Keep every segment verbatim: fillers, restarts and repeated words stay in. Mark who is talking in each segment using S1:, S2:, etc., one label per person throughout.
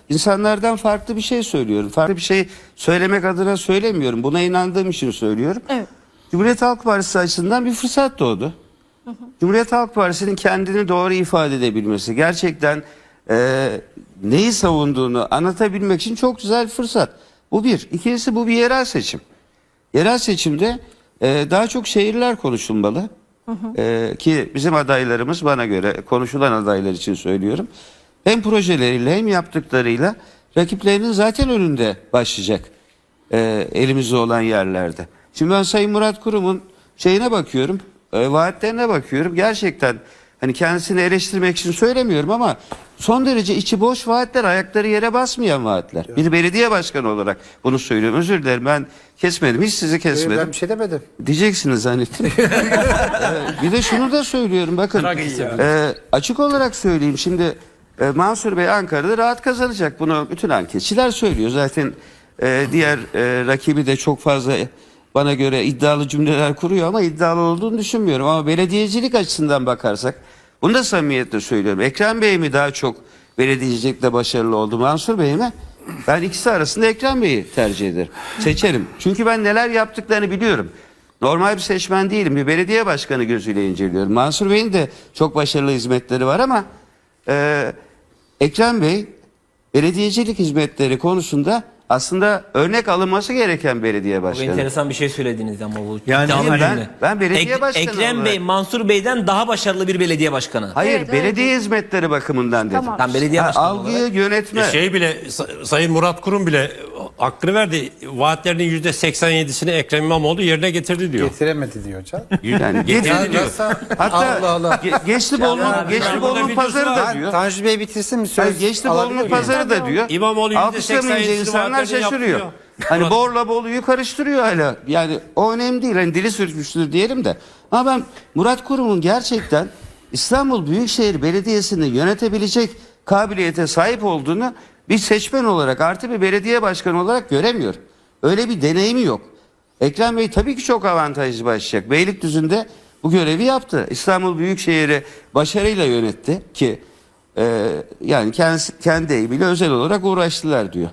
S1: insanlardan farklı bir şey söylüyorum. Farklı bir şey söylemek adına söylemiyorum. Buna inandığım için söylüyorum.
S2: Evet.
S1: Cumhuriyet Halk Partisi açısından bir fırsat doğdu. Hı hı. Cumhuriyet Halk Partisi'nin kendini doğru ifade edebilmesi, gerçekten e, neyi savunduğunu anlatabilmek için çok güzel bir fırsat. Bu bir. İkincisi, bu bir yerel seçim. Yerel seçimde e, daha çok şehirler konuşulmalı. Hı hı. E, ki bizim adaylarımız, bana göre konuşulan adaylar için söylüyorum, hem projeleriyle hem yaptıklarıyla rakiplerinin zaten önünde başlayacak e, elimizde olan yerlerde. Şimdi ben Sayın Murat Kurum'un şeyine bakıyorum, e, vaatlerine bakıyorum. Gerçekten hani kendisini eleştirmek için söylemiyorum ama son derece içi boş vaatler, ayakları yere basmayan vaatler. Evet. Bir belediye başkanı olarak bunu söylüyorum. Özür dilerim, ben kesmedim, hiç sizi kesmedim.
S3: Ben bir şey demedim.
S1: Diyeceksiniz zannettim. ee, bir de şunu da söylüyorum, bakın e, açık olarak söyleyeyim. Şimdi e, Mansur Bey Ankara'da rahat kazanacak. Bunu bütün anketçiler söylüyor. Zaten e, diğer e, rakibi de çok fazla bana göre iddialı cümleler kuruyor ama iddialı olduğunu düşünmüyorum. Ama belediyecilik açısından bakarsak, bunu da samimiyetle söylüyorum. Ekrem Bey mi daha çok belediyecilikte başarılı oldu, Mansur Bey mi? Ben ikisi arasında Ekrem Bey'i tercih ederim. Seçerim. Çünkü ben neler yaptıklarını biliyorum. Normal bir seçmen değilim. Bir belediye başkanı gözüyle inceliyorum. Mansur Bey'in de çok başarılı hizmetleri var ama e, Ekrem Bey belediyecilik hizmetleri konusunda aslında örnek alınması gereken belediye başkanı.
S4: Bu enteresan bir şey söylediniz ama bu.
S1: Yani ben, ben, ben belediye
S4: Ek,
S1: başkanı
S4: Ekrem
S1: olarak...
S4: Bey Mansur Bey'den daha başarılı bir belediye başkanı.
S1: Hayır,
S2: Evet,
S1: belediye
S2: evet.
S1: hizmetleri bakımından dedim.
S2: Tamam.
S4: Tam belediye
S1: Ha,
S4: başkanı
S1: algıyı
S4: olarak.
S1: yönetme.
S5: E şey bile Sa- Sayın Murat Kurum bile hakkını verdi. Vaatlerinin yüzde seksen yedisini Ekrem İmamoğlu yerine getirdi diyor.
S3: Getiremedi diyor hocam.
S1: Yani
S5: Getirdi
S1: getirdi
S5: diyor.
S3: Nasıl?
S1: Hatta
S3: Allah Allah.
S1: Ge Geçlibol'un
S5: Ya,
S1: Geçlibol'un
S5: ben
S1: pazarı
S5: burada
S1: da
S3: Ben
S1: diyor.
S3: Tanju Bey bitirsin mi söz?
S1: Hayır, Geçlibol'un
S3: alabilir
S1: pazarı da diyor.
S5: İmamoğlu yüzde
S1: Alkışlamayınca
S5: seksen yedisini
S1: insanlar
S5: vaatlerini
S1: şaşırıyor.
S5: yaptı
S1: Hani Borla Bolu'yu karıştırıyor hala. Yani o önemli değil. Hani dili sürçmüştür diyelim de. Ama ben Murat Kurum'un gerçekten İstanbul Büyükşehir Belediyesi'ni yönetebilecek kabiliyete sahip olduğunu bir seçmen olarak, artı bir belediye başkanı olarak göremiyorum. Öyle bir deneyimi yok. Ekrem Bey tabii ki çok avantajlı başlayacak. Beylikdüzü'nde bu görevi yaptı. İstanbul Büyükşehir'i başarıyla yönetti ki e, yani kendisi, kendi eğimiyle özel olarak uğraştılar diyor.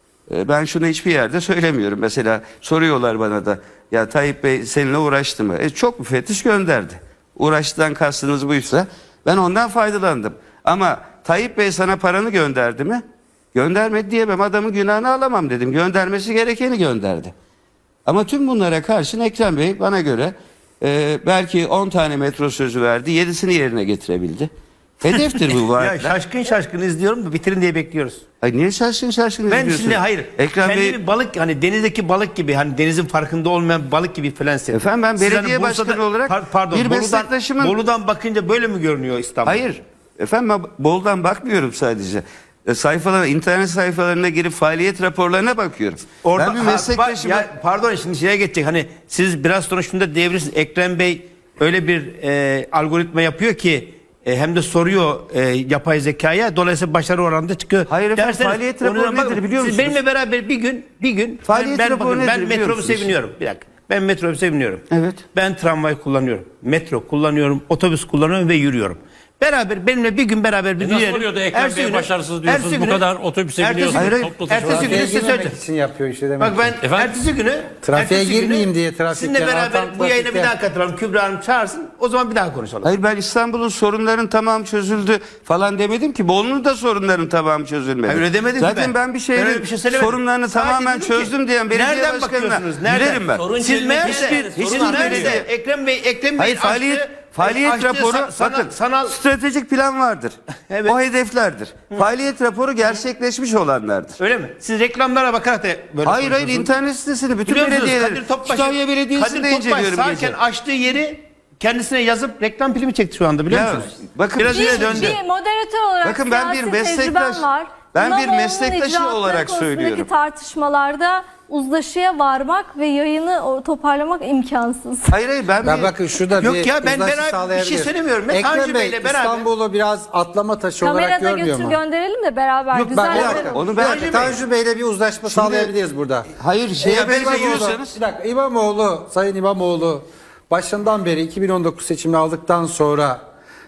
S1: E, ben şunu hiçbir yerde söylemiyorum. Mesela soruyorlar bana da, ya Tayyip Bey seninle uğraştı mı? E, çok müfettiş gönderdi. Uğraştıdan kastınız buysa ben ondan faydalandım. Ama Tayyip Bey sana paranı gönderdi mi? Göndermedi diyemem. Adamın günahını alamam dedim. Göndermesi gerekeni gönderdi. Ama tüm bunlara karşın Ekrem Bey bana göre e, belki on tane metro sözü verdi. yedisini yerine getirebildi. Hedeftir bu
S6: Ya
S1: vaatler.
S6: şaşkın şaşkın izliyorum da bitirin diye bekliyoruz.
S1: Ay niye şaşkın şaşkın
S6: Ben
S1: izliyorsun?
S6: şimdi hayır.
S1: Ekrem
S6: kendimi
S1: Bey...
S6: balık, hani denizdeki balık gibi, hani denizin farkında olmayan bir balık gibi falan hissettim.
S1: Efendim ben
S6: Siz
S1: belediye
S6: hani Bursa'da-
S1: başkanı olarak
S6: par- pardon,
S1: bir
S6: Bolu'dan,
S1: meslektaşımın...
S6: Bolu'dan bakınca böyle mi görünüyor İstanbul?
S1: Hayır. Efendim ben Bol'dan bakmıyorum sadece. E, sayfalara, internet sayfalarına girip faaliyet raporlarına bakıyorum.
S6: Orada,
S1: ben bir
S6: ha,
S1: meslektaşıma...
S6: ya, pardon, şimdi şeye geçecek, hani siz biraz sonra şunu da diyebilirsiniz. Ekrem Bey öyle bir e, algoritma yapıyor ki e, hem de soruyor e, yapay zekaya, dolayısıyla başarı oranında çıkıyor.
S1: Hayır efendim,
S6: Derseniz,
S1: faaliyet
S6: onu
S1: raporu
S6: da bakın,
S1: nedir biliyor
S6: siz
S1: musunuz?
S6: benimle beraber bir gün bir gün
S1: Faaliyet
S6: ben, ben,
S1: raporu
S6: bakın,
S1: nedir
S6: ben
S1: biliyor
S6: metrobüse
S1: musunuz?
S6: biniyorum. Bir dakika. Ben metrobüse biniyorum.
S1: Evet.
S6: Ben tramvay kullanıyorum. Metro kullanıyorum. Otobüs kullanıyorum ve yürüyorum. Beraber benimle bir gün beraber bir
S5: E nasıl
S6: yürüyelim.
S5: oluyor da Ekrem
S6: Ertesi
S5: Bey
S6: günü-
S5: başarısız diyorsunuz,
S6: ertesi
S5: bu
S6: günü-
S5: kadar otobüse
S6: ertesi
S5: biniyorsunuz,
S6: günü-
S5: toplu taşıma.
S6: ertesi günü
S3: Trafiğe
S6: size
S3: girmemek
S6: söyleyeceğim.
S3: için yapıyor işte demek
S6: Bak ben
S3: ki.
S5: Efendim?
S6: ertesi günü
S3: Trafiğe
S6: ertesi günü
S3: girmeyeyim diye trafikten,
S6: sizinle beraber
S3: artan
S6: bu yayına bir
S3: trafikten.
S6: daha katılalım. Kübra Hanım çağırsın. O zaman bir daha konuşalım.
S1: Hayır, ben İstanbul'un sorunların tamamı çözüldü falan demedim ki. Bolu'nun da sorunların tamamı çözülmedi.
S6: Hayır, öyle demedim ki
S1: Zaten
S6: ben.
S1: ben bir
S6: Ben öyle
S1: şeyin
S6: bir şey söylemedim.
S1: sorunlarını
S6: Sadece
S1: tamamen
S6: dedim ki,
S1: çözdüm diyen belediye
S6: nereden
S1: başkanına
S6: bakıyorsunuz? Nereden?
S1: giderim ben.
S4: Sorun
S6: Siz
S4: çözmek
S6: nerede?
S4: hiçbir-
S6: Hiçbir
S4: sorun
S6: nerede?
S4: nerede?
S6: Ekrem Bey, Ekrem Bey'in
S1: Hayır, faaliyet
S6: açtığı-
S1: faaliyet
S6: açtığı
S1: raporu
S6: sa- sana-
S1: bakın
S6: sanal
S1: stratejik plan vardır.
S6: Evet.
S1: O hedeflerdir. Faaliyet raporu gerçekleşmiş olanlardır.
S6: öyle mi? Siz reklamlara bakarak da böyle
S1: Hayır hayır,
S6: konuşuyorsunuz.
S1: internet sitesini bütün
S6: Biliyor musunuz?
S1: belediyeleri,
S6: Kadir Topbaş,
S1: Kütahya Belediyesi'nde
S6: Kadir Topbaş
S1: inceliyorum
S6: sağken
S1: gece.
S6: açtığı yeri kendisine yazıp reklam filmi çekti şu anda, biliyor
S1: Ya,
S6: musunuz?
S1: bakın-
S6: Biraz
S2: Bir,
S6: yine döndü.
S2: bir moderatör olarak
S1: Bakın ben bir
S2: siyasi
S1: meslektaş-
S2: tecrübem var.
S1: ben bir
S2: İmamoğlu'nun
S1: meslektaşı
S2: icraatları
S1: olarak
S2: konusundaki
S1: söylüyorum.
S2: tartışmalarda uzlaşıya varmak ve yayını o- toparlamak imkansız.
S1: Hayır hayır, ben,
S3: Ben
S1: bir...
S3: bakın şurada
S6: Yok
S3: bir
S6: ya, ben
S3: uzlaşı
S6: beraber- bir şey
S3: sağlayabilirim.
S6: söylemiyorum. Ben
S3: Ekrem
S6: Tanju
S3: Bey
S6: Bey'le beraber-
S3: İstanbul'u biraz atlama taşı olarak
S2: Kamerada
S3: görmüyor
S2: götür
S3: mu?
S2: gönderelim de beraber
S3: Yok,
S2: güzel
S3: bak, bir dakika.
S2: yapalım.
S1: Onu ben-
S3: Bir dakika, Tanju Bey'le bir uzlaşma sağlayabiliriz burada.
S1: Hayır, şeye
S3: Ya ben
S1: benziyorsanız...
S3: İmamoğlu, bir dakika, İmamoğlu, Sayın İmamoğlu başından beri iki bin on dokuz seçimini aldıktan sonra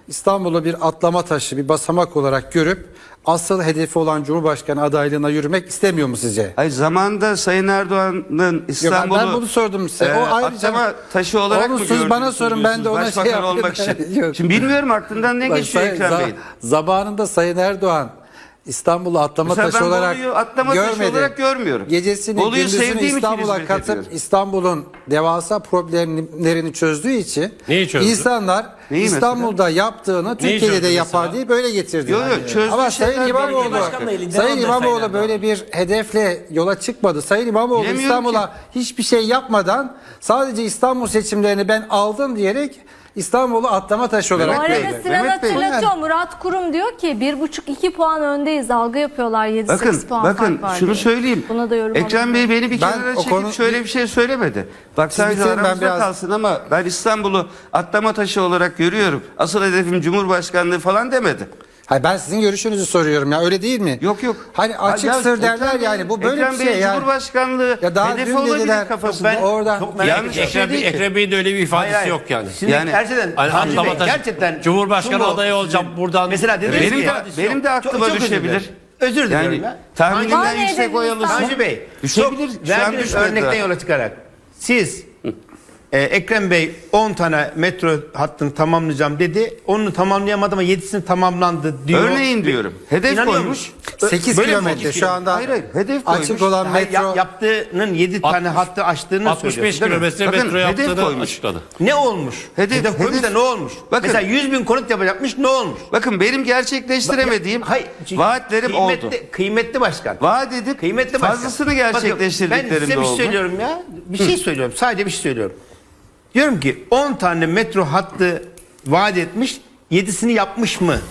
S3: İstanbul'u bir atlama taşı, bir basamak olarak görüp asıl hedefi olan Cumhurbaşkanı adaylığına yürümek istemiyor mu sizce?
S1: Hayır, zamanında Sayın Erdoğan'ın
S3: Yok,
S1: İstanbul'u
S3: ben bunu sordum size.
S1: e,
S3: O ayrıca
S1: atlama taşı olarak
S3: Onu
S1: mı
S3: siz
S1: gördünüz?
S3: bana sorun, ben de ona
S1: Başbakan
S3: şey yapayım.
S1: olmak için.
S3: Yok.
S1: Şimdi bilmiyorum aklından ne
S3: Bak,
S1: geçiyor
S3: Sayın-
S1: Ekrem
S3: za-
S1: Bey'in.
S3: Zamanında Sayın Erdoğan İstanbul'u atlama
S1: Mesela
S3: taşı
S1: ben
S3: olarak
S1: Bolu'yu atlama taşı
S3: görmedi.
S1: olarak görmüyorum.
S3: Gecesini
S1: Bolu'yu
S3: gündüzünü
S1: sevdiğim için
S3: İstanbul'a
S1: hizmet
S3: katıp
S1: ediyorum.
S3: İstanbul'un devasa problemlerini çözdüğü için
S5: Neyi çözdü?
S3: insanlar
S1: Neyi
S3: İstanbul'da yaptığını Türkiye'de de
S5: çözdü
S3: yapar
S5: mesela?
S3: diye böyle getirdi.
S1: Yok, yok, çözdüğü
S3: Ama
S1: şeyler
S3: Sayın İmamoğlu,
S1: belediye
S4: başkanlığı elinden
S3: Sayın
S4: aldı
S3: İmamoğlu
S4: Sayın
S3: böyle bir hedefle yola çıkmadı. Sayın İmamoğlu
S1: Bilemiyorum
S3: İstanbul'a
S1: ki.
S3: hiçbir şey yapmadan sadece İstanbul seçimlerini ben aldım diyerek İstanbul'u atlama taşı olarak
S2: Bu
S1: Mehmet
S2: arada
S3: gördü.
S2: Sinan
S1: Mehmet Bey.
S2: hatırlatıyor. Murat Kurum diyor ki bir buçuk iki puan öndeyiz. Algı yapıyorlar, yedi
S1: Bakın,
S2: sekiz puan
S1: bakın
S2: fark var
S1: şunu
S2: diye.
S1: söyleyeyim.
S2: Buna da yorum
S1: Ekrem
S2: alayım.
S1: Bey beni bir
S3: Ben
S1: kenara
S3: o
S1: çekip
S3: konu-
S1: şöyle bir şey söylemedi. Bak sadece
S3: bitirin, ben
S1: aramızda
S3: biraz-
S1: kalsın ama ben İstanbul'u atlama taşı olarak görüyorum. Asıl hedefim Cumhurbaşkanlığı falan demedi.
S3: Hayır, ben sizin görüşünüzü soruyorum ya, öyle değil mi?
S1: Yok yok.
S3: Hani açık
S1: Ya,
S3: sır derler
S1: Ekrem
S3: yani,
S1: Bey-
S3: bu böyle
S1: Ekrem
S3: bir şey
S1: Bey'in
S3: yani.
S1: Cumhurbaşkanlığı
S3: Ya daha
S1: hedefi
S3: dün
S1: olabilir
S3: dediler,
S1: kafasında.
S3: ben orada
S4: Çok merak
S1: Yanlış
S4: ediyorum.
S1: bir şey
S5: Ekrem,
S1: değil ki.
S5: Ekrem Bey'in de öyle bir ifadesi
S6: Hayır, hayır.
S5: yok yani.
S6: Şimdi
S1: Yani-
S6: gerçekten
S5: Hani
S6: Tanju Bey,
S5: atlama taşı-
S6: gerçekten
S5: Cumhurbaşkanı
S6: şunu-
S5: adayı olacağım buradan.
S6: Mesela dediniz
S1: Benim
S6: ki-
S1: de, benim de aklıma
S6: Çok- çok özür
S1: düşebilir.
S6: dilerim. Özür dilerim
S1: Yani
S6: ya.
S1: tahminimden
S2: Tanju-
S1: yüksek oy alırsın.
S6: Tanju Bey,
S1: Düşebilir.
S6: çok
S1: Şu an
S6: verdiğiniz
S1: düşmedi
S6: örnekten
S1: daha.
S6: yola çıkarak siz e, Ekrem Bey on tane metro hattını tamamlayacağım dedi. Onu tamamlayamadı ama yedisini tamamlandı diyor.
S1: Örneğin diyorum. Hedef
S6: İnanıyor
S1: koymuş.
S6: musun?
S3: sekiz
S6: Böyle mi
S3: kilometre
S6: oldu?
S3: şu anda
S1: Hayır, hayır, hedef
S3: açık
S1: koymuş.
S3: olan
S6: Hayır,
S3: metro.
S6: ya- yaptığının yedi tane
S5: altmış
S6: hattı açtığını
S5: altmış beş
S6: söylüyorsun, değil mi?
S5: kilometre
S1: Bakın,
S5: metro
S1: hedef
S5: yaptığını
S1: koymuş.
S5: açıkladı.
S6: Ne olmuş?
S1: Hedef-
S6: Hedef, koymuş
S1: hedef-
S6: da ne olmuş?
S1: Bakın-
S6: Mesela yüz bin konut yapacakmış, ne olmuş?
S1: Bakın benim gerçekleştiremediğim
S6: Hayır,
S1: vaatlerim
S6: kıymetli,
S1: oldu.
S6: Kıymetli başkan.
S1: Vaat edip
S6: Kıymetli başkan.
S1: fazlasını
S6: Bakın,
S1: gerçekleştirdiklerim
S6: ben size
S1: de
S6: bir şey
S1: oldu.
S6: söylüyorum ya. Bir şey söylüyorum. Sadece bir şey söylüyorum. Diyorum ki on tane metro hattı vaat etmiş, yedisini yapmış mı?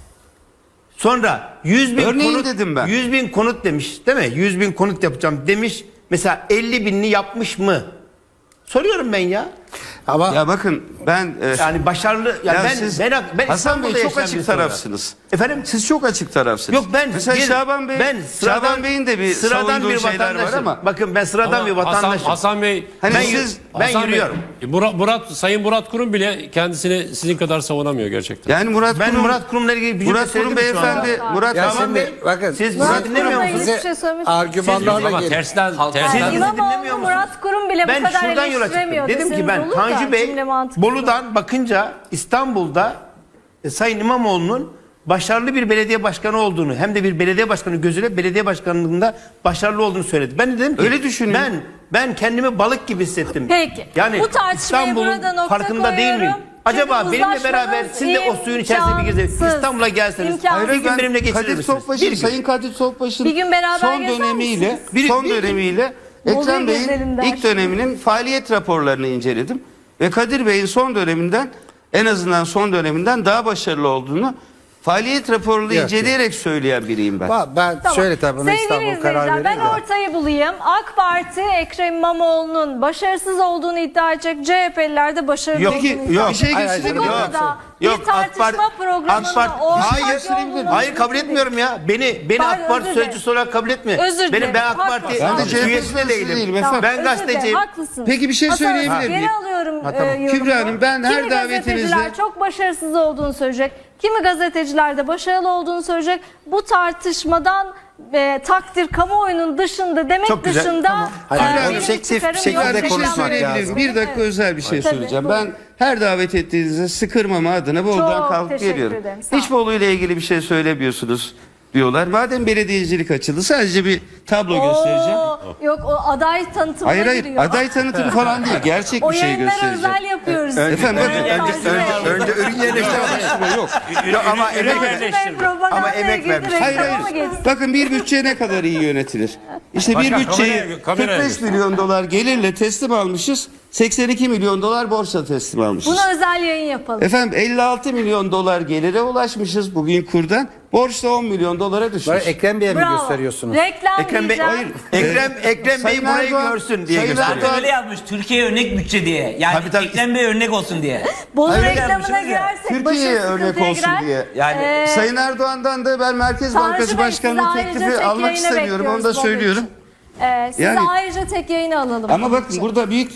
S6: Sonra yüz bin
S1: Örneğin
S6: konut
S1: dedim ben.
S6: yüz bin konut demiş, değil mi? yüz bin konut yapacağım demiş. Mesela elli binini yapmış mı? Soruyorum ben ya.
S3: Ama
S1: Ya bakın ben e,
S6: Yani başarılı ya,
S1: ya
S6: ben
S1: siz
S6: ben ben
S1: Hasan Bey
S6: İstanbul'da
S1: çok
S6: yaşayan
S1: açık
S6: birisi olarak.
S1: tarafsınız.
S6: Efendim?
S1: Siz çok açık tarafsınız.
S6: Yok ben
S1: mesela
S6: bir-
S1: Şaban Bey
S6: ben sıradan,
S1: Şaban Bey'in de bir
S6: sıradan
S1: savunduğu
S6: bir
S1: şeyler var
S6: vatandaşım.
S1: ama
S6: Bakın ben sıradan
S5: Ama
S6: bir
S5: Hasan,
S6: vatandaşım.
S5: Hasan Bey,
S1: hani
S6: ben
S1: siz
S6: ben
S5: Hasan Bey,
S6: yürüyorum.
S5: Murat, Murat, Sayın Murat Kurum bile kendisini sizin kadar savunamıyor gerçekten.
S1: yani Murat
S6: Ben
S1: Kurum
S6: Murat Kurum'la ilgili bir cümle
S1: Murat Kurum
S6: söyledim şu anda.
S1: beyefendi Murat
S3: ya
S6: Şaban
S3: şimdi
S6: Bey,
S3: bakın
S6: siz
S2: Murat
S6: Murat dinlemiyor
S2: Kurum'la
S6: musunuz?
S2: ilgili
S3: size
S2: hiçbir şey söylemiş.
S3: argümanlarla
S5: Ama
S3: gelin.
S5: tersten,
S6: Siz
S5: tersten
S6: dinlemiyor
S2: İmamoğlu
S6: musunuz?
S2: Murat Kurum bile
S6: Ben
S2: bu kadar
S6: şuradan yola çıktım.
S2: eleştiremiyor.
S6: Dedim ki ben
S2: Deseniz olur da
S6: Tanju Bey
S2: cümle mantıklı.
S6: Bolu'dan bakınca İstanbul'da e, Sayın İmamoğlu'nun başarılı bir belediye başkanı olduğunu, hem de bir belediye başkanı gözüyle belediye başkanlığında başarılı olduğunu söyledi. Ben de dedim ki
S1: Öyle düşünüyorum.
S6: ben ben kendimi balık gibi hissettim.
S2: Peki.
S6: Yani
S2: Bu tartışmaya
S6: İstanbul'un
S2: burada nokta
S6: farkında değil miyim?
S2: koyuyorum.
S6: Acaba
S2: Çünkü
S6: benimle beraber
S2: uzlaşmanız
S6: siz de o suyun içerisine bir gezin.
S2: imkansız.
S6: İstanbul'a gelseniz.
S2: İmkansız.
S6: Bir gün benimle geçirir
S1: Kadir
S6: misiniz?
S1: Topbaş'ın,
S6: Bir gün.
S1: Sayın Kadir Topbaş'ın
S2: Bir gün beraber
S1: son
S2: gezer
S1: dönemiyle
S2: misiniz?
S6: Bir-
S1: son
S6: bir gün.
S1: dönemiyle
S2: Bolu'yu
S1: Ekrem
S2: gezelim
S1: Bey'in
S2: der.
S1: ilk döneminin faaliyet raporlarını inceledim ve Kadir Bey'in son döneminden, en azından son döneminden daha başarılı olduğunu faaliyet raporunu
S3: Yok,
S1: inceleyerek söyleyen biriyim ben.
S3: Ba- Ben
S2: Tamam.
S3: şöyle tabii buna
S2: Sevgili
S3: İstanbul karar
S2: izleyiciler, ben
S3: verir de.
S2: ortayı bulayım. AK Parti Ekrem İmamoğlu'nun başarısız olduğunu iddia edecek. C H P'liler de başarılı
S6: Yok,
S2: olduğunu
S1: Peki
S2: iddia
S1: bir
S2: edecek.
S1: şey
S3: Hayır, hayır,
S1: gösterebilir
S2: Bu
S1: miyim?
S2: konuda
S6: Yok,
S2: bir tartışma
S6: AK Parti-
S2: programına
S6: AK Parti-
S2: ortak
S6: hayır,
S2: yolunu
S6: hayır kabul etmiyorum ya. Beni beni
S2: Pardon,
S6: AK Parti
S2: özür
S6: sözcüsü olarak kabul etmiyor.
S2: Özür
S6: Benim
S2: dilerim.
S6: ben AK Parti
S2: Haklısın.
S1: Ben de C H P
S6: üyesi de
S1: sözcüsü
S6: değilim.
S1: değilim
S2: Tamam,
S1: efendim.
S6: Ben
S2: özür dilerim,
S6: gazeteciyim.
S2: haklısın.
S1: Peki bir şey
S2: Hasan,
S1: söyleyebilir
S2: geri
S1: miyim?
S2: alıyorum
S6: Ha, tamam.
S2: e, yorumumu.
S1: Kübra Hanım, ben her
S2: Kimi
S1: davetinizde-
S2: gazeteciler çok başarısız olduğunu söyleyecek. Kimi gazeteciler de başarılı olduğunu söyleyecek. Bu tartışmadan e, takdir kamuoyunun dışında demek
S6: Çok güzel,
S2: dışında
S6: tamam.
S3: Hayır,
S2: e,
S3: objektif
S2: benim
S3: bir
S2: çıkarım
S3: şekilde
S2: yok.
S1: Bir şey
S3: konuşmak
S1: söyleyebilirim.
S3: lazım.
S1: Bir dakika özel bir şey
S2: Tabii,
S1: söyleyeceğim.
S2: buyurun.
S1: Ben her davet ettiğinizde sıkırmama adına Bolu'dan
S2: Çok
S1: kalkıp
S2: teşekkür
S1: geliyorum.
S2: ederim, sağ
S1: Hiç Bolu ile ilgili bir şey söylemiyorsunuz diyorlar. Madem belediyecilik açıldı sadece bir tablo göstereceğim.
S2: Oo, yok o aday tanıtımına
S1: Hayır hayır
S2: giriyor.
S1: aday tanıtımı falan değil. Gerçek
S2: o
S1: bir şey
S2: yayınlara
S1: göstereceğim.
S2: özel yapıyoruz.
S1: Efendim bakın
S2: Evet,
S1: önce,
S2: Tanju Bey.
S6: Önce ürün yerleştirme yok. Yok ama
S5: ürün
S6: emek
S5: yerleştirme.
S6: vermiş.
S2: Bey propagandaya
S6: Ama emek
S2: girdi,
S6: vermiş.
S1: Hayır
S2: reklama
S1: hayır.
S2: geçti.
S1: Bakın bir bütçe ne kadar iyi yönetilir. İşte bir
S5: Başkan,
S1: bütçeyi
S5: kameraya- kameraya
S1: kırk beş milyon dolar gelirle teslim almışız. seksen iki milyon dolar borçla teslim almışız.
S2: Buna özel yayın yapalım.
S1: Efendim elli altı milyon dolar gelire ulaşmışız bugün kurdan. Borçta on milyon dolara düşmüş.
S3: Böyle Ekrem Bey'e mi
S2: Bravo.
S3: gösteriyorsunuz?
S2: Reklam
S6: Ekrem Bey,
S2: diyeceğim.
S6: Ekrem Ekrem Bey
S1: Sayın
S6: burayı
S1: Erdoğan-
S6: görsün diye
S1: Sayın
S6: gösteriyor.
S1: Erdoğan-
S4: Zaten öyle yazmış. Türkiye örnek bütçe diye. Yani
S6: Tabii, tabii.
S4: Ekrem Bey örnek olsun diye.
S2: Bolu
S1: Hayır,
S2: reklamına
S4: yapmışsınız ya.
S2: girersek
S1: Türkiye'ye
S2: başı
S1: örnek
S2: sıkıntıya
S1: olsun
S2: girer.
S1: diye.
S4: Yani
S2: Ee,
S1: Sayın Erdoğan'dan da ben Merkez
S2: Tanju
S1: Bankası
S2: Bey,
S1: Başkanlığı
S2: sizi ayrıca
S1: teklifi
S2: tek
S1: almak
S2: yayına
S1: istemiyorum. Onu da
S2: bekliyoruz Bolu
S1: söylüyorum.
S2: Ee, sizi
S1: Yani-
S2: ayrıca tek yayına alalım.
S1: Ama bakın burada büyük bir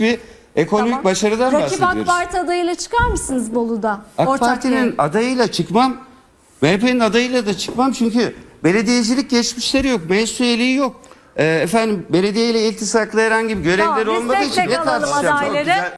S1: ekonomik
S2: Tamam.
S1: başarıdan
S2: Rakip
S1: bahsediyoruz.
S2: AK Parti adayıyla çıkar mısınız Bolu'da?
S1: AK
S2: Ortak
S1: Parti'nin
S2: yer.
S1: adayıyla çıkmam. M H P'nin adayıyla da çıkmam çünkü belediyecilik geçmişleri yok. Meclis üyeliği yok. Ee, efendim belediye ile iltisaklı herhangi bir görevleri
S2: Tamam, biz
S1: olmadığı
S2: tek
S1: için
S2: tek
S1: ne
S2: alalım
S1: tartışacağım?
S2: adayları.
S1: Çok güzel.